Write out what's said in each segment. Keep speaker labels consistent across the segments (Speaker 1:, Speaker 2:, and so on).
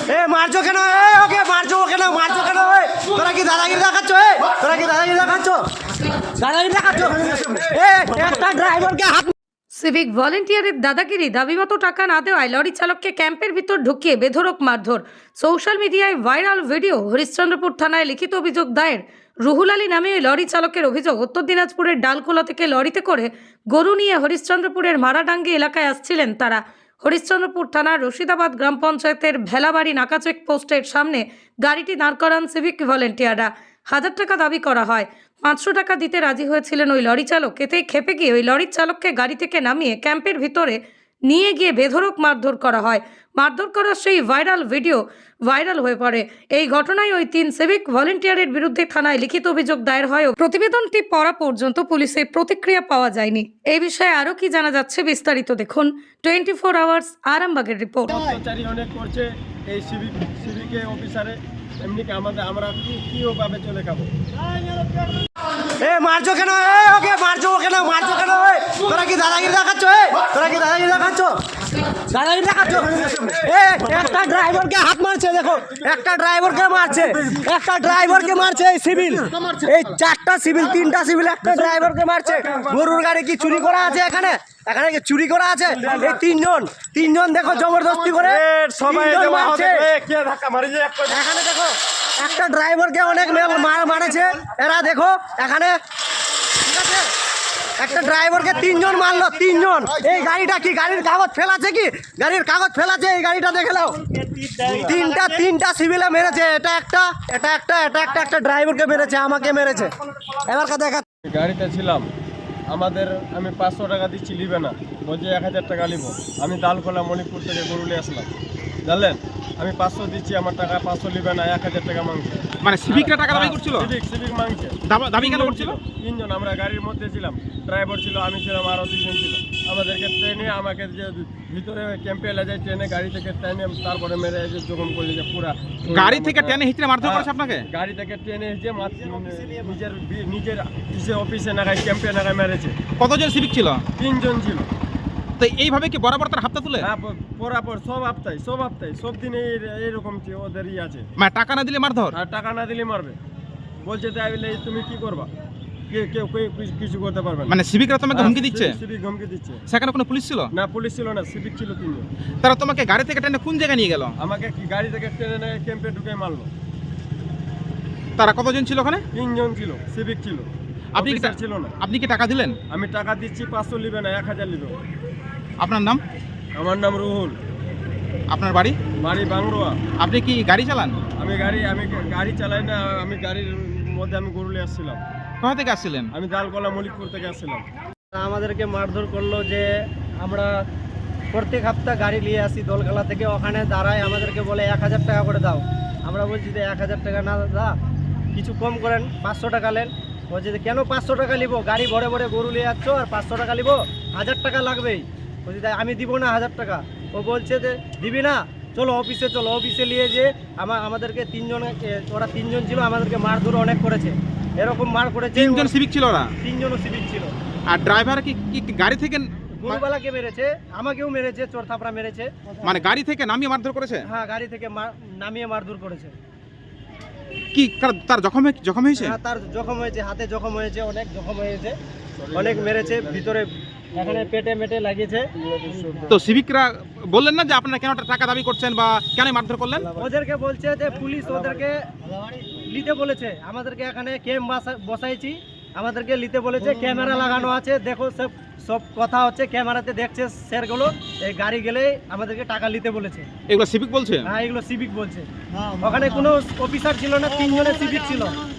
Speaker 1: এ মারছো কেন? ওকে মারছো কেন? মারছো কেন? তোরা কি দাদাগিরি দেখাচ্ছ? তোরা কি দাদাগিরি দেখাচ্ছ? দাদাগিরি দেখাচ্ছ? একটা ড্রাইভারকে হাত
Speaker 2: সিভিক ভলেন্টিয়ারের দাদাগিরি, দাবিমতো টাকা না দেওয়ায় লরি চালককে ক্যাম্পের ভিতর ঢুকিয়ে বেধড়ক মারধর। সোশ্যাল মিডিয়ায় ভাইরাল ভিডিও। হরিশ্চন্দ্রপুর থানায় লিখিত অভিযোগ দায়ের। রুহুল আলী নামে ওই লরি চালকের অভিযোগ, উত্তর দিনাজপুরের ডালখোলা থেকে লরিতে করে গরু নিয়ে হরিশ্চন্দ্রপুরের মারাডাঙ্গি এলাকায় আসছিলেন তারা। হরিশ্চন্দ্রপুর থানার রশিদাবাদ গ্রাম পঞ্চায়েতের ভেলাবাড়ি নাকা চেক পোস্টের সামনে গাড়িটি দাঁড় করান সিভিক ভলেন্টিয়াররা। 1000 টাকা দাবি করা হয়। 500 টাকা দিতে রাজি হয়েছিলেন ওই লরি চালক। এতেই ক্ষেপে গিয়ে ওই লরির চালককে গাড়ি থেকে নামিয়ে ক্যাম্পের ভিতরে নিয়ে গিয়ে বেধড়ক মারধর করা হয়। মারধর করার সেই ভাইরাল ভিডিও ভাইরাল হয়ে পড়ে। এই ঘটনায় ওই 3 সিভিক ভলেন্টিয়ারের বিরুদ্ধে থানায় লিখিত অভিযোগ দায়ের হয়। প্রতিবেদনটি পড়া পর্যন্ত পুলিশের প্রতিক্রিয়া পাওয়া যায়নি। এই বিষয়ে আরও কি জানা যাচ্ছে বিস্তারিত দেখুন 24 আওয়ার্স আরামবাগের রিপোর্ট।
Speaker 3: অত্যাচারী অনেক করছে এই সিভিকে অফিসারে, এমনি কি আমরা কি ওভাবে চলে খাবো?
Speaker 1: এ মারছো কেন? ওকে মারছো কেন? মারছো কেন? তোরা কি দাদাগিরি দেখাচ্ছ? তোরা কি দাদাগিরি দেখাচ্ছ? দাদাগিরি দেখাচ্ছ? একটা ড্রাইভারকে হাত মারছে, দেখো একটা ড্রাইভারকে মারছে, একটা ড্রাইভারকে মারছে এই সিভিল, এই 4টা সিভিল 3টা সিভিল একটা ড্রাইভারকে মারছে। গরুর গাড়ি কি চুরি করা আছে এখানে? এখানে কি চুরি করা আছে? এই তিনজন দেখো জবরদস্তি করে
Speaker 3: সবাই
Speaker 1: তিনজন মারছে।
Speaker 3: এখানে
Speaker 1: দেখো একটা ড্রাইভারকে অনেক মারেছে এরা, দেখো এখানে ঠিক আছে? একটা ড্রাইভারকে 3 জন মারলো, 3 জন। এই গাড়িটা কি গাড়ির কাগজ ফেলাছে? কি গাড়ির কাগজ ফেলাছে? এই গাড়িটা দেখে নাও। তিনটা সিভিলে মেরেছে। এটা একটা ড্রাইভারকে মেরেছে, আমাকে মেরেছে। এবার দেখা
Speaker 3: গাড়িতে ছিলাম, আমি 500 টাকা দিচ্ছি, নিবে না, বলছে 1000 টাকা নিব। আমি দালখোলা মণিপুর থেকে গরুলে আসলাম, জানলেন? আমি 500 দিচ্ছি, আমার টাকা 500 নিবে না, 1000 টাকা মাংছে।
Speaker 4: মানে সিভিকরা টাকা দাবি করছিল?
Speaker 3: সিভিক মাংছে।
Speaker 4: দাবি কেন করছিল?
Speaker 3: 3 জন, আমরা গাড়ির মধ্যে ছিলাম, ড্রাইভার ছিল, আমি ছিলাম, আরও 2 জন ছিল। আমাদেরকে ট্রেনে, আমাকে যে ভিতরে ক্যাম্পে এলে যায় ট্রেনে, গাড়ি থেকে ট্রেনে তারপরে মেরে যে জখম করলে যে পুরা
Speaker 4: গাড়ি থেকে টেনে হিচড়ে মারধর করেছে আপনাকে?
Speaker 3: গাড়ি থেকে ট্রেনে এসে নিজের অফিসে নাগায় ক্যাম্পে নাগায় মেরেছে।
Speaker 4: কতজন সিভিক ছিল?
Speaker 3: 3 জন ছিল।
Speaker 4: তো এইভাবে কি বরাবর তার হাতটা তুলে?
Speaker 3: হ্যাঁ, পরাপর সব হপ্তায় সব দিনে এইরকম ওদেরই আছে।
Speaker 4: মানে টাকা না দিলে মারধর?
Speaker 3: আর টাকা না দিলে মারবে, বলছে তাই বলে তুমি কি করবা? কেউ কিছু করতে পারবে না।
Speaker 4: মানে সিভিকরা তোমাকে হুমকি দিচ্ছে?
Speaker 3: সিভিক হুমকি দিচ্ছে।
Speaker 4: সেখানে কোনো পুলিশ ছিল
Speaker 3: না, পুলিশ ছিল না, সিভিক ছিল 3 জন।
Speaker 4: তারা তোমাকে গাড়ি থেকে টেনে কোন জায়গায় নিয়ে গেল?
Speaker 3: আমাকে কি গাড়ি থেকে ট্রেনে ক্যাম্পে ঢুকে মারলো।
Speaker 4: তারা কতজন ছিল ওখানে?
Speaker 3: 3 জন ছিল, সিভিক ছিল,
Speaker 4: আপনি কি
Speaker 3: ছিল না।
Speaker 4: আপনি কি টাকা দিলেন?
Speaker 3: আমি টাকা দিচ্ছি, 500 নিবে না, 1000 নিবে।
Speaker 4: আপনার নাম?
Speaker 3: আমার নাম রুহুল।
Speaker 4: আপনার বাড়ি?
Speaker 3: বাড়ি বাংরোয়া।
Speaker 4: আপনি কি গাড়ি চালান?
Speaker 3: আমি গাড়ি চালাই না, আমি গাড়ির মধ্যে আমি গরুলে আসছিলাম।
Speaker 4: কোথা থেকে আসছিলেন?
Speaker 3: আমি দালকোলা মলিকপুর থেকে আসছিলাম।
Speaker 1: আমাদেরকে মারধর করলো যে আমরা প্রত্যেক সপ্তাহ গাড়ি নিয়ে আসি দোলখালা থেকে, ওখানে দাঁড়ায় আমাদেরকে বলে 1000 টাকা করে দাও। আমরা বলছি যে 1000 টাকা না দাদা, কিছু কম করেন, 500 টাকা নেন। বলছে যে কেন 500 টাকা নিব? গাড়ি ভরে ভরে গরু নিয়ে যাচ্ছ আর 500 টাকা নিব? 1000 টাকা লাগবেই। বলছি তাই আমি দিব না 1000 টাকা। ও বলছে যে দিবি না, চলো অফিসে চলো। অফিসে নিয়ে যে আমাদেরকে 3 জন, ওরা 3 জন ছিল, আমাদেরকে মারধর অনেক করেছে। এরকম মার করেছে।
Speaker 4: 3 জন সিভিক ছিল ওরা?
Speaker 1: 3 জনও সিভিক ছিল।
Speaker 4: আর ড্রাইভার কি গাড়ি থেকে?
Speaker 1: গরুবালাকে মেরেছে, আমাকেও মেরেছে, চোর থাপড়া মেরেছে।
Speaker 4: মানে গাড়ি থেকে নামিয়ে মারধর করেছে?
Speaker 1: হ্যাঁ, গাড়ি থেকে নামিয়ে মারধর করেছে।
Speaker 4: কি তার জখম হয়েছে?
Speaker 1: হ্যাঁ, তার জখম হয়েছে, হাতে জখম হয়েছে, অনেক জখম হয়েছে, অনেক মেরেছে, ভিতরে এখানে পেটে মেটে লাগিয়েছে।
Speaker 4: তো সিভিকরা বললেন না যে আপনারা কেন টাকা দাবি করছেন বা কেন মারধর করলেন?
Speaker 1: ওদেরকে বলছে যে পুলিশ ওদেরকে নিতে বলেছে, আমাদেরকে এখানে ক্যাম্প বসাইছি, আমাদেরকে নিতে বলেছে, ক্যামেরা লাগানো আছে, দেখো সব কথা হচ্ছে, ক্যামেরাতে দেখছে স্যারগুলো। এই গাড়ি গেলে আমাদেরকে টাকা নিতে বলেছে।
Speaker 4: এগুলো সিভিক বলছে?
Speaker 1: হ্যাঁ, এগুলো সিভিক বলছে। ওখানে কোনো অফিসার ছিল না, 3 জনের সিভিক ছিল।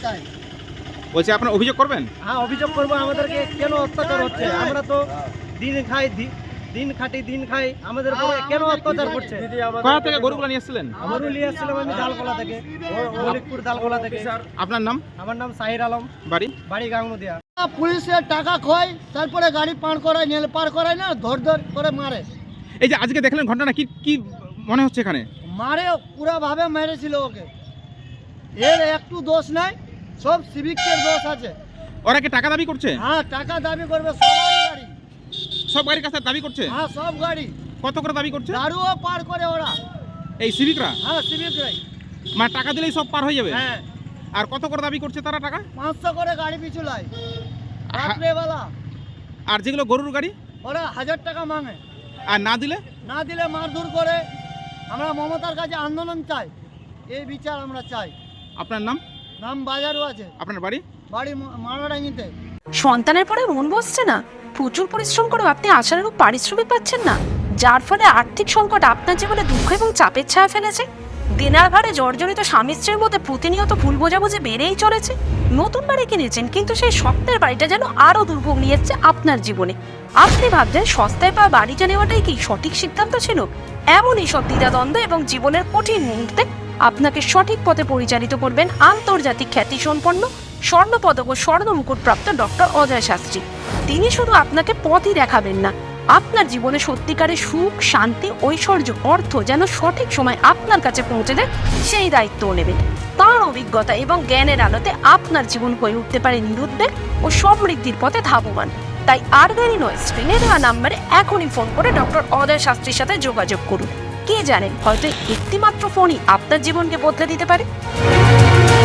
Speaker 4: বলছে আপনারা অভিযোগ করবেন?
Speaker 1: হ্যাঁ, অভিযোগ করবো। আমাদেরকে কেন অত্যাচার হচ্ছে? আমরা তো দিন খাটি দিন খাই, আমাদের উপরে কেন অত্যাচার করছে?
Speaker 4: কোথা থেকে গরুগুলো নিয়ে এসেছিলেন?
Speaker 1: গরু নিয়ে আসছিলাম আমি দালকোলা থেকে, মলিকপুর দালকোলা থেকে।
Speaker 4: আপনার নাম?
Speaker 1: আমার নাম সাহির আলম, বাড়ি গাঙ্গুদিয়া।
Speaker 5: পুলিশের টাকা খোয়, তারপরে গাড়ি পার করায়, নেল পার করায় না, ধর করে মারে।
Speaker 4: এই যে আজকে দেখলেন ঘটনা, কি মনে হচ্ছে এখানে?
Speaker 5: মারে, পুরাভাবে মেরেছিল ওকে। এর একটু দোষ নাই, সব সিভিকের দোষ আছে।
Speaker 4: ওরা কি টাকা দাবি করছে?
Speaker 5: হ্যাঁ, টাকা দাবি করবে, সবারই গাড়ি,
Speaker 4: সব গাড়ির কাছে দাবি করছে?
Speaker 5: হ্যাঁ সব গাড়ি।
Speaker 4: কত করে দাবি করছে?
Speaker 5: দারুও পার করে ওরা।
Speaker 4: এই সিভিকরা?
Speaker 5: হ্যাঁ সিভিকরাই।
Speaker 4: মানে টাকা দিলেই সব পার হয়ে যাবে?
Speaker 5: হ্যাঁ
Speaker 4: আর কত করে দাবি করছে তারা টাকা?
Speaker 5: 500 করে গাড়ি পিছু লাই রাত্রেবেলা।
Speaker 4: আর যেগুলো গরুর গাড়ি?
Speaker 5: ওরা 1000 টাকা মাঙে।
Speaker 4: আর না দিলে?
Speaker 5: না দিলে মারধর করে। আমরা মমতার কাছে আন্দোলন চাই, এই বিচার আমরা চাই।
Speaker 4: আপনার নাম?
Speaker 5: নাম বাজারও আছে।
Speaker 4: আপনার বাড়ি?
Speaker 5: বাড়ি মারাডাঙ্গিতে।
Speaker 6: সন্তানের পরে মন বসছে না, প্রচুর পরিশ্রম করেও আপনি আশানুরূপ পারিশ্রমিক পাচ্ছেন না, যার ফলে আর্থিক সংকট আপনার জীবনে দুঃখ এবং চাপের ছায়া ফেলেছে। দেনার ভারে জর্জরিত স্বামী স্ত্রীর মধ্যে প্রতিনিয়ত ভুল বোঝাবুঝি বেড়েই চলেছে। নতুন বাড়ি কিনেছেন, কিন্তু সেই স্বপ্নের বাড়িটা যেন আরও দুর্ভোগ নিয়ে এসছে আপনার জীবনে। আপনি ভাবছেন সস্তায় পাওয়া বাড়িটা নেওয়াটাই কি সঠিক সিদ্ধান্ত ছিল? এমনই সব দ্বিধাদ্বন্দ্ব এবং জীবনের কঠিন মুহূর্তে আপনাকে সঠিক পথে পরিচালিত করবেন আন্তর্জাতিক খ্যাতিসম্পন্ন স্বর্ণপদক ও স্বর্ণ মুকুটপ্রাপ্ত ডক্টর অজয় শাস্ত্রী। তিনি শুধু আপনাকে পথই দেখাবেন না, আপনার জীবনে সত্যিকারের সুখ, শান্তি, ঐশ্বর্য, অর্থ যেন সঠিক সময় আপনার কাছে পৌঁছে দেয় সেই দায়িত্বও নেবেন। তাঁর অভিজ্ঞতা এবং জ্ঞানের আলোতে আপনার জীবন হয়ে উঠতে পারে নিরুদ্বেগ ও সমৃদ্ধির পথে ধাবমান। তাই আর দেরি নয়, স্ক্রিনে দেওয়া নাম্বারে এখনই ফোন করে ডক্টর অজয় শাস্ত্রীর সাথে যোগাযোগ করুন। কে জানেন, হয়তো একটিমাত্র ফোনই আপনার জীবনকে বদলে দিতে পারে।